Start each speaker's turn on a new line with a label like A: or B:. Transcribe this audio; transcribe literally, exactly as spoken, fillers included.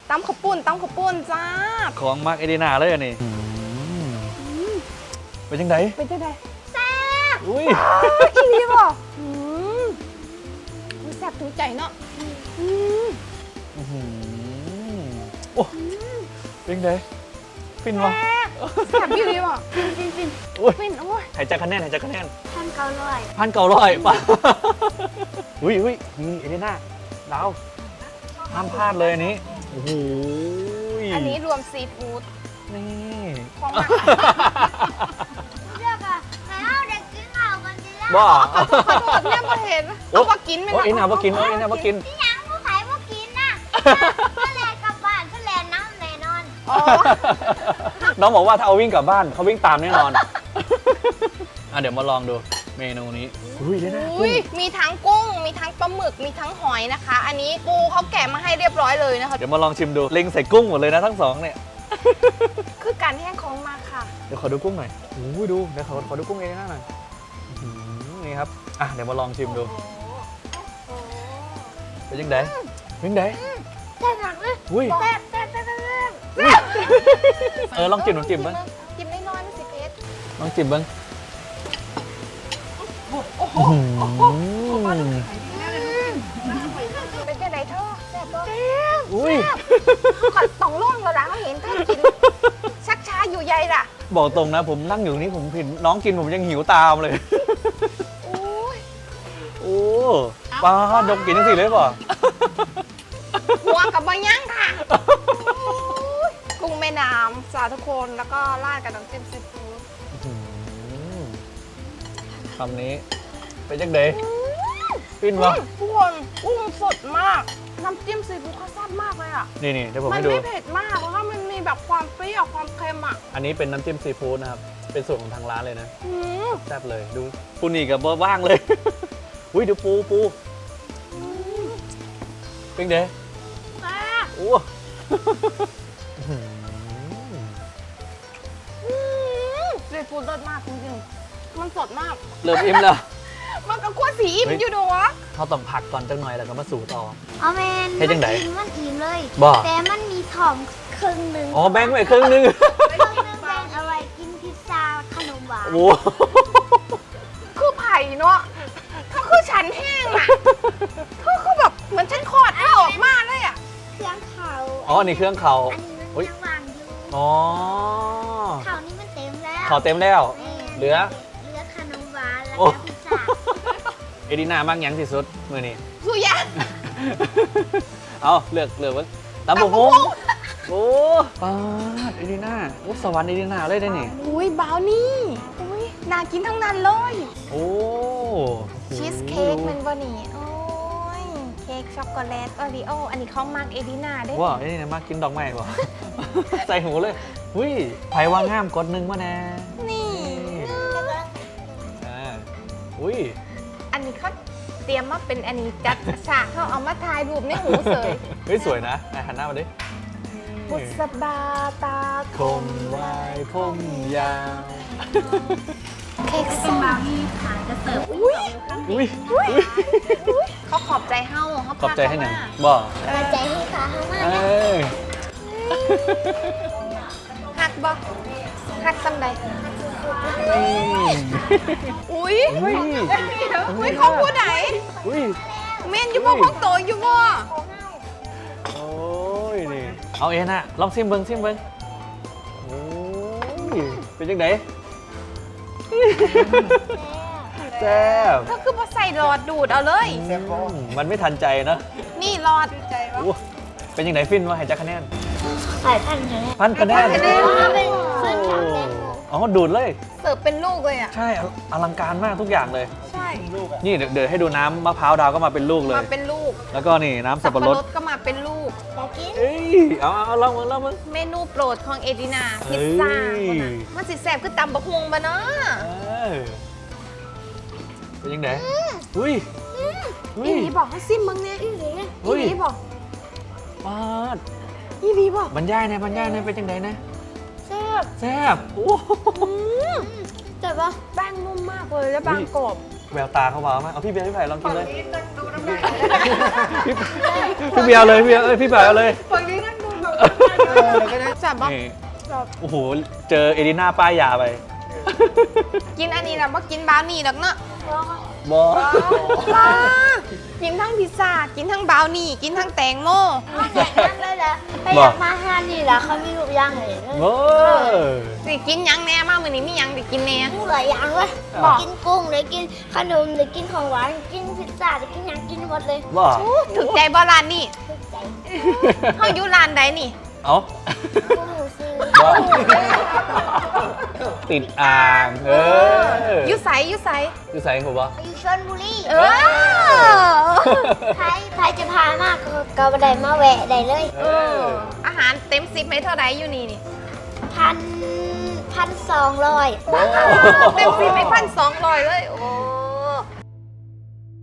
A: ตำข้าวปุ้นตำข้าวปุ้นจ้า
B: ของมักเอดีนาเลยอันนี้เป็นยังไง
A: เป็นยังไง
C: แซ่บ
B: อุ้ย
A: อีนี่บ่แซ่บถึงใจเนาะ
B: โอ้เป็นยังไงฟินวะ
A: แซ่บอีนี่บ่
C: ฟินฟินฟิน
A: ฟินโอ้ย
B: หายใจคะแนนหายใจคะแนน
C: พันเก้าร้อย
B: พันเก้าร้อยป่ะอุ้ยอุ้ยนี่เอดีนาดาวห้ามพลาดเลยอันนี้โอ้โห
A: อันนี้รวมซีฟู้ด
B: นี่
A: ของมัน
C: เลือกอะแล้วเด็กกินข้าวกันดีแล้ว
B: บ้า
A: ขอโทษเนี่ยมาเห็นเอามากินไม่ได้
B: โอ้ยน่ามากินโอ้ยน่ามากิน
C: พี่ยังผู้ขายผู้กินน่ะก็แลนกลับบ้านก็แลนน้ำแน่นอน
B: น้องบอกว่าถ้าเอาวิ่งกลับบ้านเขาวิ่งตามแน่นอนอ่ะเดี๋ยวมาลองดูเมนูนี้อุ้ยได้นะ
A: มีทั้งกุ้งมีทั้งปลาหมึกมีทั้งหอยนะคะอันนี้ปูเขาแกะมาให้เรียบร้อยเลยนะคะ
B: เดี๋ยวมาลองชิมดูเล็งใส่กุ้งหมดเลยนะทั้งสองเนี่ย
A: คือการแห้งของมาค่ะ
B: เดี๋ยวขอดูกุ้งหน่อยโอ้ยดูเดี๋ยวขอขอดูกุ้งเองหน่อยนี่ครับอ่ะเดี๋ยวมาลองชิมดูเป็นยังไงเป็นยังไง
C: แซ่บหนักเลย
B: อุ้ย
C: แซ่บแซ่บแซ่บแซ่บ
B: เออลองจิ้มลองจิ้มบ้าง
A: จิ้มน้อยๆไม่สิเพชร
B: ลองจิ้มบ้าง
A: เป็นแค่ไหนเธอแซ่บตัว
B: อุ้ย
A: ขอต้องล่องแล้วนะเขาเห็นเธอกินชักช้าอยู่ใหญ่ล่ะ
B: บอกตรงนะผมนั่งอยู่นี่ผมเห็นน้องกินผมยังหิวตามเลย
A: โอ้ย
B: โอ้ป้าดมกินทั้งสี่เลยป่ะ
A: หัวกับบะย่างค่ะกุ้งแม่น้ำจ้าทุกคนแล้วก็ราดกับน้ำจิ้มซีฟู้ด
B: คำนี้เป็นจังเดย์ปิ้นวะ
A: ทุกคนกุ้งสดมากน้ำจิ้มซีฟู้ดเขาแซ่บมากเลยอ่ะ
B: นี่นี่เดี๋ยวผม
A: ให้
B: ดู
A: มันไม่เผ็ดมากเพราะว่ามันมีแบบความเปรี้ยวความเค็มอ่ะ
B: อันนี้เป็นน้ำจิ้มซีฟู้ดนะครับเป็นสูตรของทางร้านเลยนะแซ่บเลยดูปูนี่กับว่างเลยอุ้ยดูปูปูเป็นเดย์โอ้
A: ซีฟู้ดรสมากจริงๆมันสดมาก
B: เริ่มอิ่มแล้ว
A: มันก็ควรสีอิ่มอยู่ดูวะ
B: เขาต้องผักก่อนจังหน่อยแล้วก็มาสู่ต่อ
C: เอาแมน
B: ให้จังไหน
C: มันอิ่มเลย
B: บ่
C: แต่มันมีถ่อมครึ่งหนึ่ง
B: อ๋อแบ่งไว้ครึ่งนึง
C: ครึ่งนึงแบ่งเอาไว้กินพิซซ่าขนมหวาน
B: โอ้
A: คือไผ่เนาะเขาคือฉันแห้งอ่ะเขาคือแบบเหมือนฉันคลอดไม่ออกมาเลยอ่ะ
C: เครื่องเขา
B: อ๋อนี่เครื่องเขา
C: อันนี้มันยังวางอยู่
B: อ๋อ
C: เขานี่มันเต็มแล้ว
B: เขาเต็มแล้วเหลือ
C: เหลือขนมหวานแล้วก็พิซซ่า
B: เอดีนามากยังที่สุดมือนี้
A: สุยะ
B: เอาเลือกเลือกว่าตำบุกฮงโอ้ปาดเอดีนาโอ้สวรรค์เอดีนาเลยได้นี่
A: อุ้ยบราวนี่อุ้ยน่ากินทั้งนั้นเลย
B: โอ้
A: ชีสเค้กเป็นบะหมี่โอ้ยเค้กช็อกโกแลตโอริโออันนี้เขามักเอดีนาได้
B: ว้าเอดีนามากกินดอกไม้ป่ะใส่หูเลยอุ้ยไผ่ว่างามกดหนึ่งมาแน่
A: นี่
B: อ่าอุ้ย
A: อันนี้เขาเตรียมมาเป็นอันนี้จัดฉากเขาเอามาถ่ายรูปในหูเสย
B: เฮ้ยสวยนะไหนหันหน้ามาดิ
A: บุษบาตา
B: คมวายผมยาว
A: เค้กส้ม
C: ขายจะเสิร์ฟ
B: อุ้ยอุ้ย
A: เขาขอบใจเฮ้าเขา
B: ขอบใจให้หนังบ่
C: ขอบใจให้ขาเขามากนะ
A: หักบ่หักซ้ำใดอุ้ยอุ้ยเขาพูดไหน
B: อุ้ย
A: เมนอยู่บ่พวกโตอยู่บ่
B: โอ้ยนี่เอาเองนะลองซิมเบิ้งซิมเบิ้งโอ้ยเป็นยังไงแซ่บ
A: ก็คือพอใส่หลอดดูดเอาเลย
B: มันไม่ทันใจนะ
A: นี่หลอด
B: เป็นยังไงฟินวะให้จักคะแนน
C: ใส่พันคะแนน
B: พันคะแนนอ๋อดูดเลย
A: เสิร์ฟเป็นลูกเลยอ่ะ
B: ใช่อลังการมากทุกอย่างเลย
A: ใช่
B: นี่เดี๋ยวให้ดูน้ำมะพร้าวดาวก็มาเป็นลูกเลย
A: มาเป็นลูก
B: แล้วก็นี่น้ำสับปะรด
A: ก็มาเป็นลูก
B: เอ้ยเอาเอาลองมึงลองมึง
A: เมนูโปรดของเอดีนาพิซซ่ามันสิแซ่บคือตำบะฮวงบะเนาะ
B: เป็นยังไงอุ้ย
A: อีนีบอกให้ซิมมึงเนี่ยอีนีบอก
B: มาด
A: อีนีบอก
B: บรรยายนะบรรยายนะเป็นยังไงนะ
A: แซ่บ
B: แซ่บโอ้
A: แต่ว่าแป้งนุ่มมากเลยและบางกรอบ
B: แววตาเขาว้าวมากเอาพี่เบียร์พี่ไผ่ลองกินเลยพี่เบียร์เลยพี่เอ้ยพี่ไผ่เอาเลย
A: ฝั่งนี้นั่งดูแบบจับบ่
B: นี่
A: จับ
B: โอ้โห เจอเอลิน่าป้ายยาไป
A: กินอันนี้แล้วบ่กินบราวนี่ดอกเนาะ
B: บอ
A: บ้ากินทั้งพิซซ่ากินทั้งบราวนี่กินทั้งแตงโม
C: เอาแดกน้ำเลยเหรอไปอยากมาห้านนี่เหรอเขามีลูกย่างเลย
B: โอ้
A: สิกินหยังแหน่มามื้อนี้มีหยังสิกินแหน่
C: ผู้หลายอย่างเว้ย
A: บอก
C: กินกุ้งเลยกินขนมเลยกินของหวานกินพิซซ่าเลยกินหยังกินหมดเลย
B: บอ
A: ถึกใจบ่ร้านนี่
C: ถูกใจ
A: เฮาอยู่ร้านใดนี่
B: เอา
C: กุ้งซื้อ
B: บ่ ติดอ่างเออ
A: อยู่ไสอยู่ไส
B: อยู่ใส่ผมบ่
C: อยู่ชลบุรี
A: เออ
C: ใครใครจะพามากก็ก็บันไดมาแวะได้เลย
B: เออ
A: อาหารเต็มสิบไหมเท่าไหร่อยู่นี่นี่
C: พันพันสองร้อย
A: เต็มสิบไหมพันสองร้อยเลย โอ้